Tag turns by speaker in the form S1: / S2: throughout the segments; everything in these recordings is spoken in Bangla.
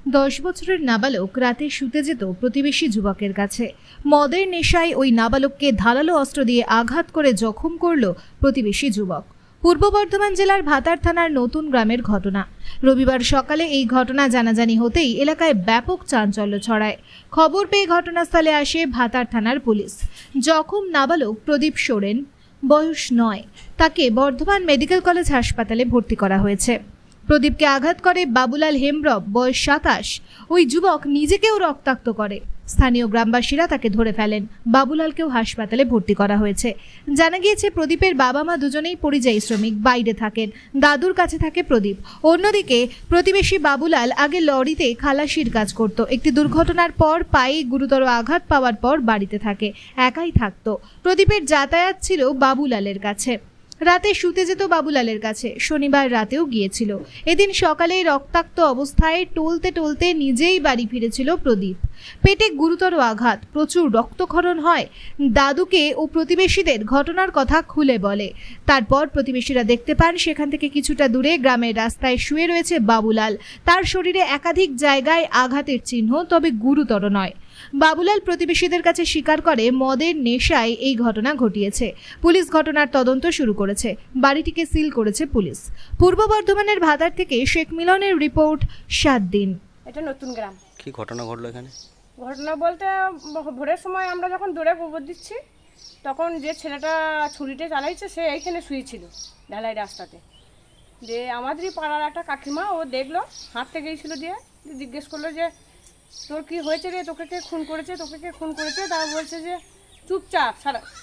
S1: 10 বছরের নাবালক রাতে শুতে যেত প্রতিবেশী যুবকের কাছে। মদের নেশায় ওই নাবালককে ধারালো অস্ত্র দিয়ে আঘাত করে জখম করল প্রতিবেশী যুবক। পূর্ব বর্ধমান জেলার ভাতার থানার নতুন গ্রামের ঘটনা। রবিবার সকালে এই ঘটনা জানাজানি হতেই এলাকায় ব্যাপক চাঞ্চল্য ছড়ায়। খবর পেয়ে ঘটনাস্থলে আসে ভাতার থানার পুলিশ। জখম নাবালক প্রদীপ সোরেন, বয়স 9, তাকে বর্ধমান মেডিকেল কলেজ হাসপাতালে ভর্তি করা হয়েছে। প্রদীপকে আঘাত করে বাবুলাল হেমব্রম, বয়স 27। ওই যুবক নিজেকেও রক্তাক্ত করে। স্থানীয় গ্রামবাসীরা তাকে ধরে ফেলেন। বাবুলালকেও হাসপাতালে ভর্তি করা হয়েছে। জানা গিয়েছে প্রদীপের বাবা মা দুজনেই পরিযায়ী শ্রমিক, বাইরে থাকেন। দাদুর কাছে থাকে প্রদীপ। অন্যদিকে প্রতিবেশী বাবুলাল আগে লরিতে খালাসির কাজ করত। একটি দুর্ঘটনার পর পায়ে গুরুতর আঘাত পাওয়ার পর বাড়িতে থাকে, একাই থাকতো। প্রদীপের যাতায়াত ছিল বাবুলালের কাছে। রাতে শুতে যেত বাবুলালের কাছে। শনিবার রাতেও গিয়েছিল। এদিন সকালে রক্তাক্ত অবস্থায় টলতে টলতে নিজেই বাড়ি ফিরেছিল প্রদীপ। পেটে গুরুতর আঘাত, প্রচুর রক্তক্ষরণ হয়। দাদুকে ও প্রতিবেশীদের ঘটনার কথা খুলে বলে। তারপর প্রতিবেশীরা দেখতে পান সেখান থেকে কিছুটা দূরে গ্রামের রাস্তায় শুয়ে রয়েছে বাবুলাল। তার শরীরে একাধিক জায়গায় আঘাতের চিহ্ন, তবে গুরুতর নয়। বাবুলাল প্রতিবেশীদের কাছে স্বীকার করে মদের নেশায় এই ঘটনা ঘটিয়েছে। পুলিশ ঘটনার তদন্ত শুরু করেছে। বাড়িটিকে সিল করেছে পুলিশ। পূর্ব বর্ধমানের ভাতার থেকে শেখ মিলনের রিপোর্ট, 7 দিন।
S2: এটা নতুন গ্রাম।
S3: কি ঘটনা ঘটলো এখানে?
S2: ঘটনা বলতে ভোরের সময় আমরা যখন দৌড়ে গোবর দিচ্ছি, তখন যে ছেলেটা ছুরিটা চালাইছে সে এইখানে শুয়েছিল ঢালাই রাস্তাতে। যে আমাদেরই পাড়ার একটা কাকিমা, ও দেখলো, হাঁটতে গিয়েছিল, দিয়ে জিজ্ঞেস করলো যে তোর কি হয়েছে রে, তোকে কে খুন করেছে, তোকে কে খুন করেছে। তারা বলছে যে চুপচাপ,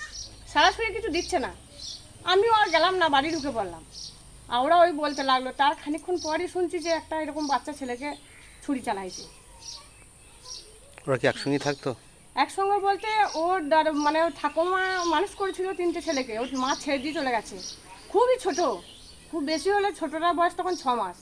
S2: সারাসরি কিছু দিচ্ছে না। আমিও আর গেলাম না, বাড়ি ঢুকে পড়লাম। আর ওরা ওই বলতে লাগলো। তার খানিকক্ষণ পরই শুনছি যে একটা এরকম বাচ্চা ছেলেকে ছুরি চালাইছে।
S3: ওরা কি একসঙ্গেই থাকতো?
S2: একসঙ্গে বলতে ওর মানে ওর ঠাকুমা মানুষ করেছিল 3টে ছেলেকে, ওর মা ছেড়ে দিয়ে চলে গেছে। খুবই ছোট, খুব বেশি হলে ছোটটার বয়স তখন 6 মাস।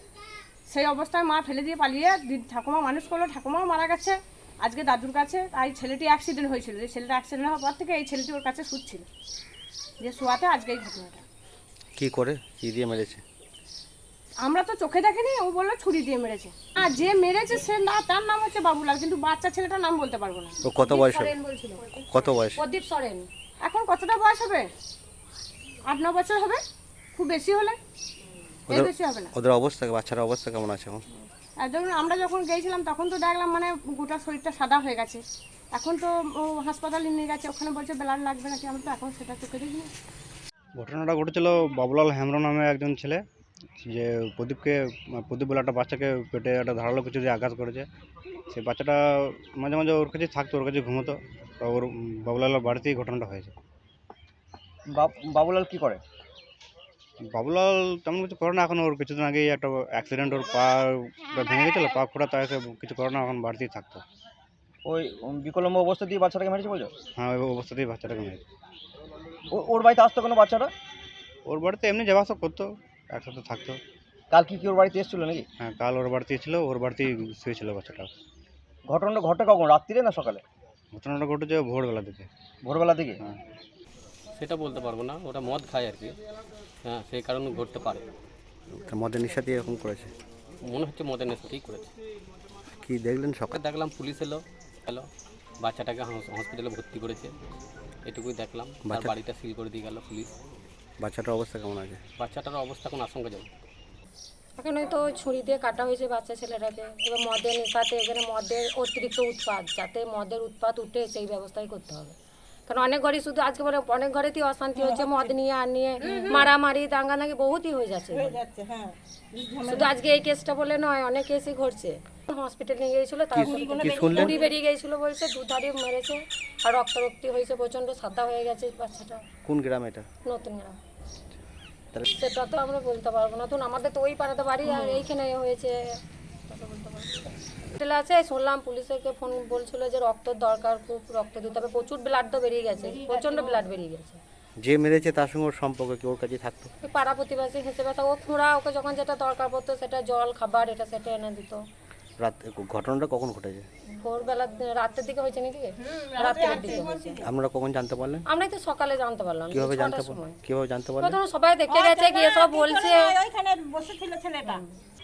S2: সেই অবস্থায় মা ফেলে দিয়ে পালিয়ে ঠাকুমা মানুষ করলো। ঠাকুমাও মারা গেছে আজকে দাদুর কাছে। তাই ছেলেটি অ্যাক্সিডেন্ট হয়েছিল। যে ছেলেটা অ্যাক্সিডেন্ট হওয়ার পর থেকে এই ছেলেটি ওর কাছে শুচ্ছিল, যে শোয়াতে আজকে এই ঘটনাটা।
S3: কি করে, কি দিয়ে মেরেছে?
S2: আমরা তো চোখে দেখিনি, ও বললো ছুরি দিয়ে মেরেছে। আর যে মেরেছে সে না, তার নাম হচ্ছে বাবুলাল, কিন্তু বাচ্চা ছেলেটার নাম বলতে পারবো না।
S3: ও কত বয়স হবে? কত বয়স?
S2: প্রদীপ সরেন। এখন কতটা বয়স হবে? 8-9 বছর হবে, খুব বেশি হলে, এর বেশি হবে না।
S3: ওদের অবস্থা, বাচ্চার অবস্থা কেমন আছে এখন?
S2: আর ধরুন আমরা যখন গিয়েছিলাম তখন তো দেখলাম মানে গোটা শরীরটা সাদা হয়ে গেছে। এখন তো ও হাসপাতালে নিয়ে গেছে, ওখানে বলছে ব্লাড লাগবে নাকি, আমরা তো এখন সেটা চোখে দেখিনি।
S4: ঘটনাটা ঘটেছিল বাবুলাল হেমব্রম নামে একজন ছেলে, যে প্রদীপ বলে একটা বাচ্চাকে পেটে একটা ধারালো কিছু দিয়ে আঘাত করেছে। সেই বাচ্চাটা মাঝে মাঝে ওর কাছে থাকতো, ওর কাছে ঘুমোতো। তো ওর বাবুলালের বাড়িতেই ঘটনাটা হয়েছে।
S5: বাবুলাল কি করে?
S4: বাবুলাল তেমন কিছু করে না এখন। ওর কিছুদিন আগেই একটা অ্যাক্সিডেন্ট, ওর পা ভেঙে গেছিলো, পা ফোটা, তাই কিছু করে না, এখন বাড়িতেই থাকতো।
S5: ওই বিকলম্ব অবস্থা দিয়ে বাচ্চাটাকে মেরেছে বলছো?
S4: হ্যাঁ, ওই অবস্থাতেই বাচ্চাটাকে মেরেছে।
S5: ওর বাড়িতে আসতো কোনো বাচ্চাটা?
S4: ওর বাড়িতে এমনি যাওয়া আসা করতো, একসাথে থাকতো।
S5: কাল কি ওর বাড়িতে এসেছিল নাকি?
S4: হ্যাঁ, কাল ওর বাড়িতেই ছিল, ওর বাড়িতেই শুয়েছিল বাচ্চাটা।
S5: ঘটনাটা ঘটে কখন, রাত্রিরে না সকালে?
S4: ঘটনাটা ঘটেছে ভোরবেলা দিকে।
S5: ভোরবেলা দিকে?
S4: হ্যাঁ।
S6: সেটা বলতে পারবো না, ওটা মদ খায় আর কি। হ্যাঁ, সেই কারণে ঘটতে পারে।
S3: মদের নেশা দিয়ে এরকম করেছে?
S6: মনে হচ্ছে মদের নেশাতেই করেছে।
S3: কি দেখলেন সকালে?
S6: দেখলাম পুলিশ এলো, বাচ্চাটাকে হসপিটালে ভর্তি করেছে, এটুকুই দেখলাম। তার বাড়িটা সিল করে দিয়ে গেল পুলিশ।
S3: বাচ্চাটার অবস্থা কেমন আছে?
S6: বাচ্চাটার অবস্থা কোনো আশঙ্কাজনক।
S7: এখন হয়তো ছুরি দিয়ে কাটা হয়েছে বাচ্চা ছেলেটাকে। এবার মদের নেশাতে এখানে মদের অতিরিক্ত উৎপাত, যাতে মদের উৎপাত উঠে সেই ব্যবস্থাই করতে হবে। কারণ অনেক ঘরে শুধু আজকে বলে অনেক ঘরেতেই অশান্তি হচ্ছে, মদ নিয়ে আর নিয়ে মারামারি দাঙ্গানাঙ্গি বহুতই হয়ে যাচ্ছে। শুধু আজকে এই কেসটা বলে নয়, অনেক কেসই ঘটছে। হসপিটাল নিয়ে গিয়েছিল, তারপর পুরি বেরিয়ে গিয়েছিল বলছে, দুধারে মেরেছে আর রক্তারক্তি হয়েছে, প্রচন্ড সাদা হয়ে গেছে বাচ্চাটা।
S3: কোন গ্রাম এটা?
S7: নতুন গ্রাম। সেটা তো আমরা বলতে পারবো না, তখন আমাদের তো ওই পাড়াতে বাড়ি, আর এইখানে হয়েছে হোটেলে আছে। শুনলাম পুলিশকে ফোন বলছিল যে রক্তর দরকার, খুব রক্ত দিতে হবে, প্রচুর ব্লাড তো বেরিয়ে গেছে, প্রচন্ড ব্লাড বেরিয়ে গেছে।
S3: যে মেরেছে তার সঙ্গে ওর সম্পর্ক কি? ওর কাছে থাকতো?
S7: ওই পাড়া প্রতিবেশী হিসেবে ও খুঁড়া, ওকে যখন যেটা দরকার পড়তো সেটা জল খাবার এটা সেটা এনে দিত।
S3: রাত ঘটনাটা কখন ঘটেছে?
S7: ভোরবেলা, রাতের দিকে হয়েছে নাকি? রাতের দিকে হয়েছে।
S3: আপনারা কখন জানতে পারলেন?
S7: আমরাই তো সকালে জানতে পারলাম।
S3: কিভাবে জানতে পারলেন?
S7: প্রথমে সবাই দেখে গেছে, গিয়ে সব বলছে।